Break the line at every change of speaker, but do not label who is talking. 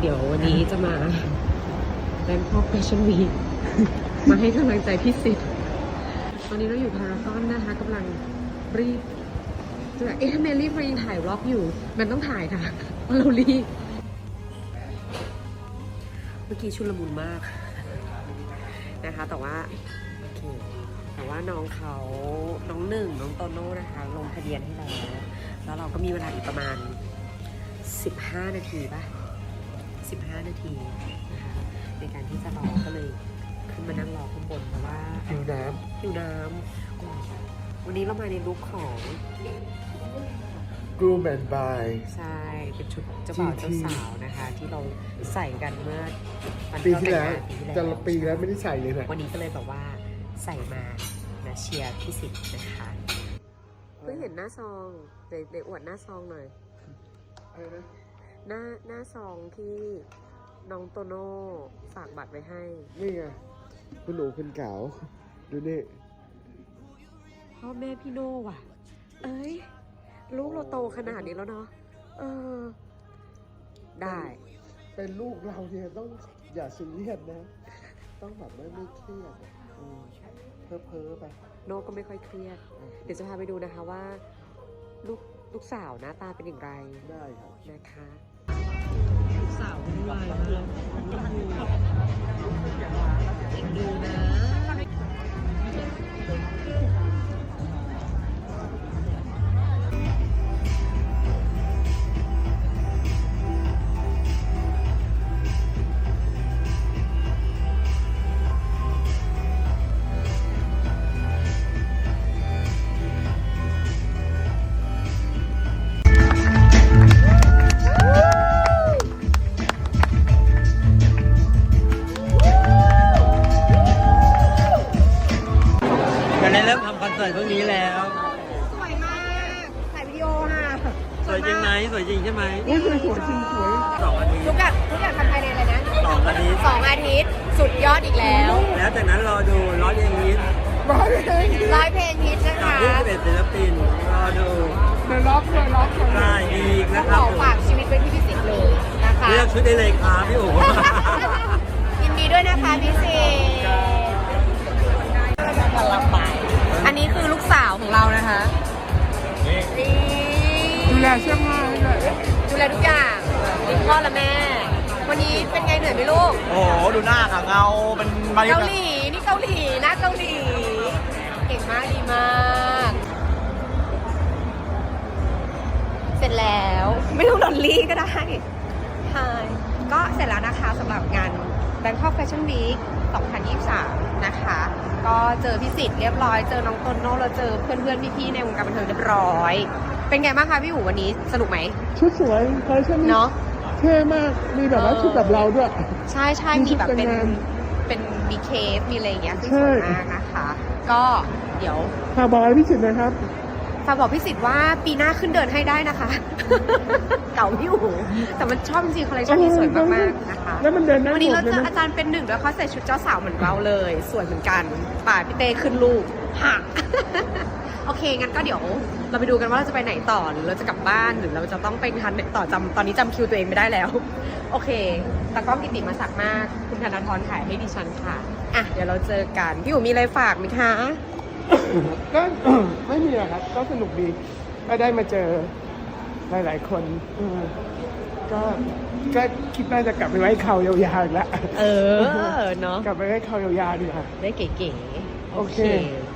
ดี๋ยววันนี้จะมาแบงคอกแฟชั่นวีคมาให้กำลังใจพี่สิทธิ์ตอนนี้เราอยู่พารากอนนะคะกำลังรีบจะถ้าเมลี่ยังถ่ายวล็อกอยู่มันต้องถ่ายค่ะเพราะเรารีบเมื่อกี้ชุลมุนมากนะคะแต่ว่าโอเคแต่ว่าน้องเขาน้องหนึ่งน้องโตโน่นะคะลงทะเบียนให้แล้วเราก็มีเวลาอีกประมาณ15 นาทีป่ะ15 นาทีนะคะในการที่จะรอก็เลยขึ้นมานั่งรอข้างบนเพราะว่าหิวน้ำวันนี้เรามาในลุคของ
Groom and By
ใช่เป็นชุดเจ้าบ่าวเจ้าสาวนะคะที่เราใส่กันเมื่อวัน
ปีที่แล้ว
แต่
จะปีแล้วไม่ได้ใส่เลยนะ
วันนี้ก็เลยแบบว่าใส่มานะเชียร์พี่สิทธิ์นะคะเพิ่งเห็นหน้าซองเดี๋ยวอวดหน้าซองหน่อย
อะไรนะ
หน้าซองที่น้องโตโน่ฝากบัตรไว้ให้
นี่ไงคุณหนูคุณเก๋าดูนี่
พ่อแม่พี่โน่ว่ะ เอ้ยลูกเราโตขนาดนี้แล้วเนาะได้
เป็นลูกเราเนี่ยต้องอย่าซีเรียสนะ ต้องแบบไม่เครียดเพ้อไป
โน่ก็ไม่ค่อยเครียด เดี๋ยวจะพาไปดูนะคะว่าลูกสาวหน้าตาเป็นอย่างไร
ได้ครับ
นะคะลูกสาววุ่นวายมากดูนะ
ได้เริ่มทำคอนเสิร์ตพรุ่งนี้แล้ว
สวยมากถ่ายวิดีโอค่ะ
สวยจริงไหมสวยจริงใช่ไหม
สวยจริงสวย
2 อาทิตย์
ทุกอย่างทำภายในอะไรนะ
2 อาทิตย์
2 อาทิตย์สุดยอดอีกแล้ว
แล้วจากนั้นรอดูร้อยเพลงฮิต
มาเลย
ร้อยเพลงฮิตนะ
กับ
คะ
21ศิลปินรอดู
เดี๋ยวล็อก
ได้อีก
ต้
นะ
อง
ครั
ข
บ
อฝากชีวิตไว้ที่พี่สิทธิ์เลยนะคะ
เลือกชุดได้เลยครับพี่โอ๋
ยินดีด้วยนะคะพี่สิทธิ์อันนี้คือลูกสาวของเรานะคะนี่
ดูแลเสื้อผ้าให้ด้วย
ดูแลทุกอย่างเลี้ยงพ่อและแม่ วันนี้เป็นไงเหนื่อยไหมลูก
โอ้โหดูหน้าค่ะเงาเป็นมาริ
เกาหลีนี่เกาหลีนะเกาหลีเก่งมากดีมาก เสร็จแล้วไม่ต้องดอลลี่ก็ได้ใช่ก็เสร็จแล้วนะคะสำหรับงาน Bangkok Fashion Week 2023 นะคะ ก็เจอพี่สิทธิ์เรียบร้อยเจอน้องโตโน่เราเจอเพื่อนๆพี่ๆในวงการบันเทิงเรียบร้อย เป็นไงบ้างคะพี่อู๋วันนี้สนุกไหม
ชุดสวยแฟชั่น
เนาะ
เท่มากมีแบบว่าชุดแบบเราด้วย
ใช่ใช่
มี
มี
ชุด
แบบ
แต่งงาน
เป็นมีเคฟมีอะไรอย่างเงี้ยซึ่ง
ใช่
สวยมากนะคะ ก็เดี๋ยว
พาบอยพี่สิทธิ์นะครับ
ฝากบอกพี่สิทธิ์ว่าปีหน้าขึ้นเดินให้ได้นะคะ เก่าพี่อู๋แต่มันชอบจริงๆคอลเลคชันนี้สวยมากๆนะคะ
แล้วมันเดินได้หม
วัน
ด
นี้เรา
เลย
เจอ
นะ
อาจารย์เป็นหนึ่งแล้วเขาใส่ชุดเจ้าสาวเหมือนเราเลยสวยเหมือนกันป่าพี่เต้ขึ้นลูกฮะ โอเคงั้นก็เดี๋ยวเราไปดูกันว่าเราจะไปไหนต่อหรือเราจะกลับบ้านหรือเราจะต้องไปทันไหนต่อตอนนี้จำคิวตัวเองไม่ได้แล้ว โอเคตากล้องกิติมาศักดิ์มากคุณธนาธรถ่ายให้ดิฉันค่ะอ่ะเดี๋ยวเราเจอกันพี่อู๋มีอะไรฝากไหมคะ
ก็ ไม่มีหรอกครับ ก็สนุกดีก็ได้มาเจอหลายๆคนก็คิดว่าจะกลับไปไว้เขายาวๆอีกแล้ว
เนาะ
กลับไปไว้เขายาวๆดีกว่า
ได้เก๋ๆ
โอเค